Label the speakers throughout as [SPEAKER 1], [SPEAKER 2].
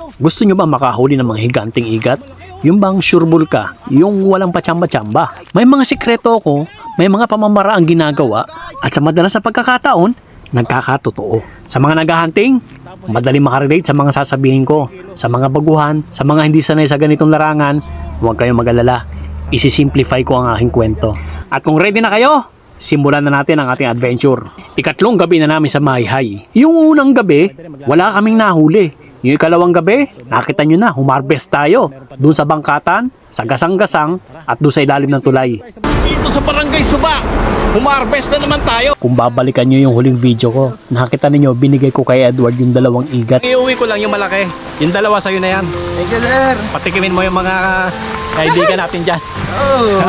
[SPEAKER 1] Gusto nyo ba makahuli ng mga higanting igat? Yung bang sureball ka, yung walang patsamba-tsamba. May mga sikreto ako, may mga pamamaraang ginagawa, at sa madalas na pagkakataon, nagkakatotoo. Sa mga naghahunting, madali makarelate sa mga sasabihin ko. Sa mga baguhan, sa mga hindi sanay sa ganitong larangan, huwag kayong mag-alala. Isisimplify ko ang aking kwento. At kung ready na kayo, simulan na natin ang ating adventure. Ikatlong gabi na namin sa Mayhay. Yung unang gabi, wala kaming nahuli. Yung ikalawang gabi, nakita nyo na, humarbest tayo. Doon sa bangkatan, sa gasang-gasang, at doon sa ilalim ng tulay.
[SPEAKER 2] Dito sa Barangay Suba, humarbest na naman tayo.
[SPEAKER 1] Kung babalikan nyo yung huling video ko, nakita ninyo, binigay ko kay Edward yung 2 igat.
[SPEAKER 2] Iuwi ko lang yung malaki. Yung 2 sa'yo na yan.
[SPEAKER 3] Thank you, sir.
[SPEAKER 2] Patikimin mo yung mga kaibigan natin dyan.
[SPEAKER 3] Oh.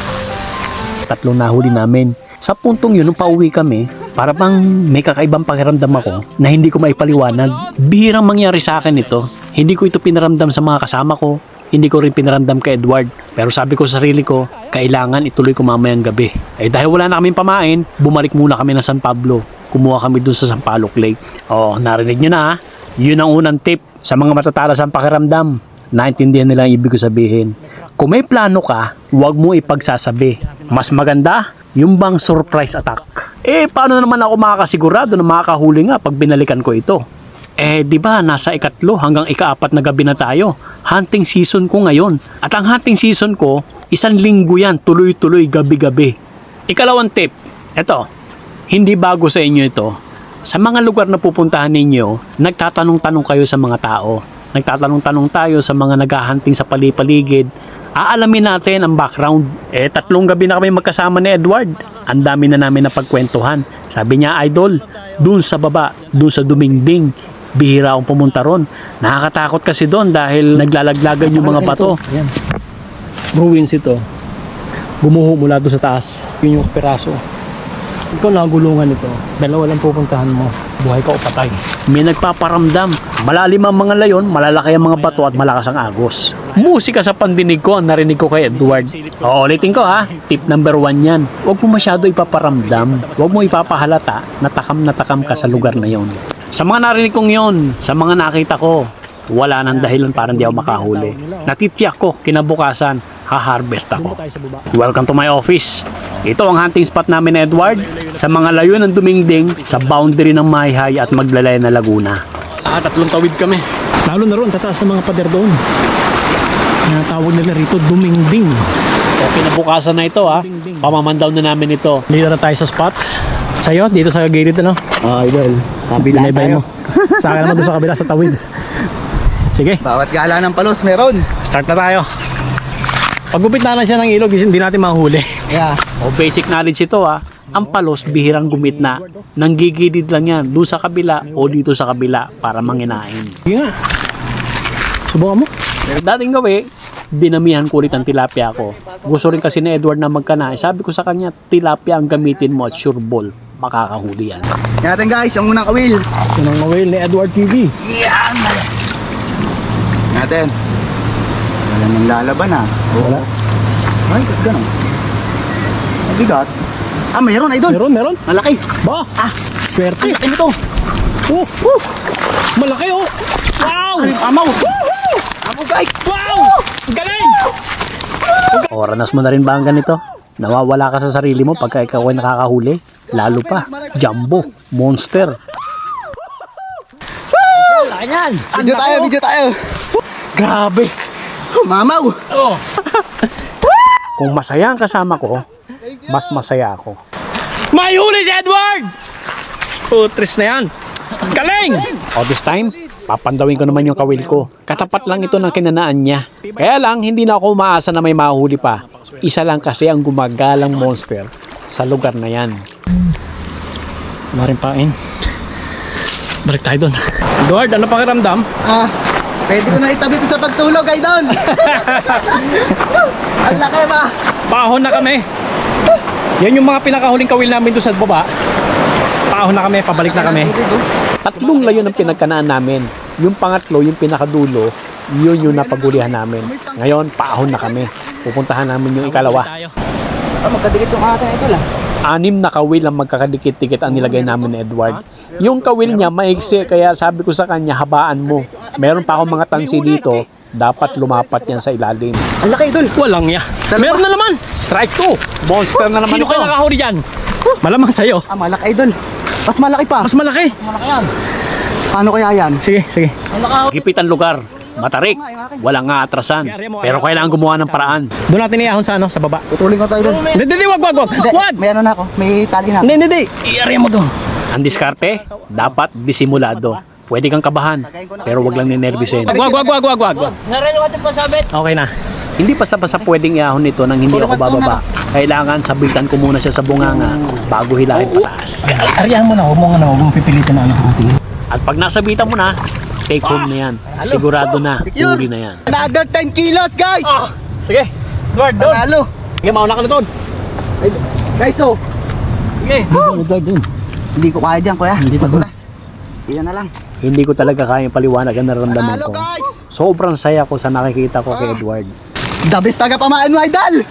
[SPEAKER 1] 3 nahuli namin. Sa puntong yun, nung pauwi kami, para bang may kakaibang pakiramdam ako na hindi ko maipaliwanag. Bihirang mangyari sa akin ito. Hindi ko ito pinaramdam sa mga kasama ko. Hindi ko rin pinaramdam kay Edward. Pero sabi ko sa sarili ko, kailangan ituloy ko mamayang gabi. Dahil wala na kaming pamain, bumalik muna kami ng San Pablo. Kumuha kami dun sa Sampaloc Lake. Narinig nyo na ha. Yun ang unang tip sa mga matatalas ang pakiramdam. Naintindihan nila ang ibig ko sabihin. Kung may plano ka, huwag mo ipagsasabi. Mas maganda, yung bang surprise attack. Paano naman ako makakasigurado na makakahuli nga pag binalikan ko ito? Di ba nasa 3 hanggang 4 na gabi na tayo. Hunting season ko ngayon. At ang hunting season ko, 1 linggo yan, tuloy-tuloy, gabi-gabi. Ikalawang tip, eto, hindi bago sa inyo ito. Sa mga lugar na pupuntahan ninyo, nagtatanong-tanong kayo sa mga tao. Nagtatanong-tanong tayo sa mga naghahunting sa palipaligid. Aalamin natin ang background. 3 gabi na kami magkasama ni Edward. Ang dami na namin napagkwentuhan. Sabi niya, idol, dun sa baba, dun sa Dumingding, bihira akong pumunta ron. Nakakatakot kasi doon dahil naglalaglagan yung mga bato. Ayan. Ruins ito. Gumuho mula doon sa taas. Yun yung piraso. Ikaw nagulungan ito. 2 lang pupuntahan mo. Buhay ka o patay. May nagpaparamdam. Malalim ang mga layon, malalaki ang mga bato at malakas ang agos. Musika sa pandinig ko ang narinig ko kay Edward. Ulitin ko ha. Tip number 1 yan. Huwag mo masyado ipaparamdam. Huwag mo ipapahalata na takam ka sa lugar na yon. Sa mga narinig kong yon, sa mga nakita ko, wala nang dahilan para hindi ako makahuli. Natitiyak ko, kinabukasan, ha-harvest ako. Welcome to my office. Ito ang hunting spot namin ni Edward. Sa mga layo ng Dumingding, sa boundary ng Mayhay at Maglalay na Laguna.
[SPEAKER 2] 3 tawid kami.
[SPEAKER 1] Lalo na ron, tataas ng mga pader doon. Tawag nila rito, Dumingding. Kinabukasan na ito ha. Pamamandaw na namin ito. Dito na tayo sa spot. Sa'yo, dito sa gilid ano?
[SPEAKER 3] Idol. Kabila tayo.
[SPEAKER 1] Sa akin naman doon sa kabila, sa tawid. Sige.
[SPEAKER 3] Bawat gala ng palos meron.
[SPEAKER 1] Start na tayo. Pagupit na lang siya ng ilog, hindi natin mahuli.
[SPEAKER 3] Yeah.
[SPEAKER 1] Basic knowledge ito ha. Ang palos, bihirang gumit na. Nanggigilid lang yan, doon sa kabila o dito sa kabila para manginain. Sige nga. Subukan mo. Dating gabi, dinamihan ko ulit ang tilapia ko. Gusto rin kasi ni Edward na magkana. Sabi ko sa kanya, tilapia ang gamitin mo at sureball. Makakahuli yan.
[SPEAKER 3] Yan natin guys, yung unang kawil.
[SPEAKER 1] Unang mawil ni Edward TV.
[SPEAKER 3] Yan! Natin. Wala nang lalaban ah.
[SPEAKER 1] Wala.
[SPEAKER 3] Ay, ganun. Mabigat. Meron idol.
[SPEAKER 1] Meron.
[SPEAKER 3] Malaki.
[SPEAKER 1] Ba? Swerte.
[SPEAKER 3] Ay, ano to?
[SPEAKER 1] Malaki oh. Wow!
[SPEAKER 3] Amaw. Amaw guys.
[SPEAKER 1] Wow! Galing! Oranas mo na rin ba ang ganito? Nawawala ka sa sarili mo pagka ikaw ay nakakahuli? Lalo pa, jumbo, monster. Ayan!
[SPEAKER 3] Video tayo. Grabe. Mamaw.
[SPEAKER 1] Oh. Kung masaya ang kasama ko, mas masaya ako.
[SPEAKER 2] May huli si Edward! Putris na yan. Galing!
[SPEAKER 1] This time, papandawin ko naman yung kawil ko. Katapat lang ito ng kinanaan niya. Kaya lang, hindi na ako umaasa na may mahuli pa. Isa lang kasi ang gumagalang monster sa lugar na yan. Wala rin pain. Balik tayo doon.
[SPEAKER 2] Edward, ano pakiramdam?
[SPEAKER 3] Pwede ko na itabi ito sa pagtulog, idol. Ang laki ba?
[SPEAKER 2] Paahon na kami. Yan yung mga pinakahuling kawil namin doon sa baba. Paahon na kami, pabalik na kami.
[SPEAKER 1] 3 layon ang pinagkanaan namin. Yung pangatlo, yung pinakadulo, yun yung napagulihan namin. Ngayon, paahon na kami. Pupuntahan namin yung ikalawa.
[SPEAKER 3] Magkadikit yung akin, idol
[SPEAKER 1] 6 na kawil ang magkakadikit-dikit ang nilagay namin ni Edward. Yung kawil niya maiksi, kaya sabi ko sa kanya, habaan mo. Meron pa akong mga tansi dito, dapat lumapat yan sa ilalim.
[SPEAKER 3] Ang laki, idol.
[SPEAKER 2] Walang ya. Meron na naman.
[SPEAKER 1] Strike 2! Monster na naman
[SPEAKER 2] Sino
[SPEAKER 1] ito.
[SPEAKER 2] kayo nakahuli dyan? Malamang sa'yo.
[SPEAKER 3] Ah, malaki, idol. Mas malaki pa.
[SPEAKER 2] Mas malaki.
[SPEAKER 3] Paano kaya yan?
[SPEAKER 2] Sige, sige.
[SPEAKER 1] Gipit ang lugar. Matarik. Walang nga atrasan. Pero kailangan gumawa ng paraan.
[SPEAKER 2] Doon natin iahon sa ano, sa baba.
[SPEAKER 3] Putulin ko to, idol.
[SPEAKER 2] Hindi, wag.
[SPEAKER 3] Hindi,
[SPEAKER 2] Wag!
[SPEAKER 3] may ano na ako. May tali na ako.
[SPEAKER 2] Hindi. I-area mo doon.
[SPEAKER 1] Ang diskarte, dapat disimulado. Pwede kang kabahan, pero wag lang ninervisin.
[SPEAKER 2] Wag. Okay na.
[SPEAKER 1] Hindi basta-basta pwedeng iahon nito nang hindi ako bababa. Kailangan sabitan ko muna siya sa bunganga bago hilahin pataas.
[SPEAKER 2] Ariyahan mo na, huwag mong pipilitin na ano. Sige.
[SPEAKER 1] At pag nasabitan mo na, take home na yan. Sigurado na, huli na yan.
[SPEAKER 3] Another 10 kilos, guys!
[SPEAKER 2] Sige. Edward, doon.
[SPEAKER 3] Panalo.
[SPEAKER 2] Sige, mauna ka na doon.
[SPEAKER 3] Guys, oh.
[SPEAKER 2] Sige. Edward, doon.
[SPEAKER 3] Hindi ko kaya dyan, kuya. Madulas. Iyan na lang.
[SPEAKER 1] Hindi ko talaga kayang paliwanag ang nararamdaman
[SPEAKER 3] Panalo,
[SPEAKER 1] ko.
[SPEAKER 3] guys!
[SPEAKER 1] Sobrang saya ko sa nakikita ko kay Edward.
[SPEAKER 3] The best taga pamaan mo, idol!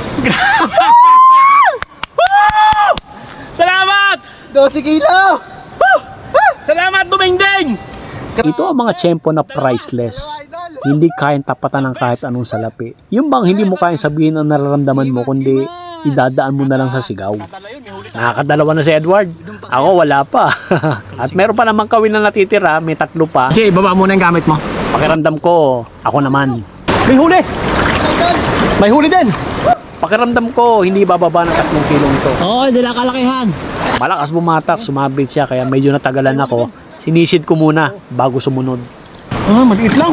[SPEAKER 2] Salamat!
[SPEAKER 3] 12 kilo!
[SPEAKER 2] Salamat, Dumingding!
[SPEAKER 1] Ito ang mga tiyempo na priceless. Hindi kayang tapatan ng kahit anong salapi. Yung bang hindi mo kayang sabihin ang nararamdaman mo, kundi idadaan mo na lang sa sigaw. Nakakadalawa na si Edward. Ako wala pa. At meron pa namang kawin na natitira, may 3 pa.
[SPEAKER 2] Sige, baba muna yung gamit mo.
[SPEAKER 1] Pakiramdam ko, ako naman.
[SPEAKER 2] May huli! May huli din!
[SPEAKER 1] Pakiramdam ko, hindi bababa ng 3 kilong ito.
[SPEAKER 2] Oo, hindi lang kalakihan.
[SPEAKER 1] Malakas bumatak, sumabit siya, kaya medyo natagalan ako. Sinisid ko muna bago sumunod.
[SPEAKER 2] Maliit lang.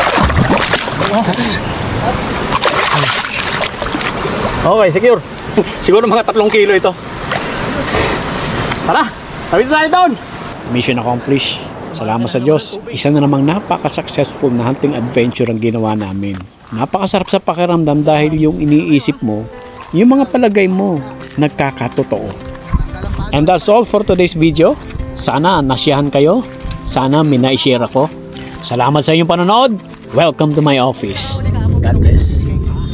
[SPEAKER 2] Okay, secure. Siguro mga 3 kilo ito. Tara, tawid tayo doon.
[SPEAKER 1] Mission accomplished. Salamat sa Diyos. Isa na namang napaka-successful na hunting adventure ang ginawa namin. Napakasarap sa pakiramdam dahil yung iniisip mo, yung mga palagay mo, nagkakatotoo. And that's all for today's video. Sana nasyahan kayo. Sana may na-share ako. Salamat sa inyong panonood. Welcome to my office. God bless.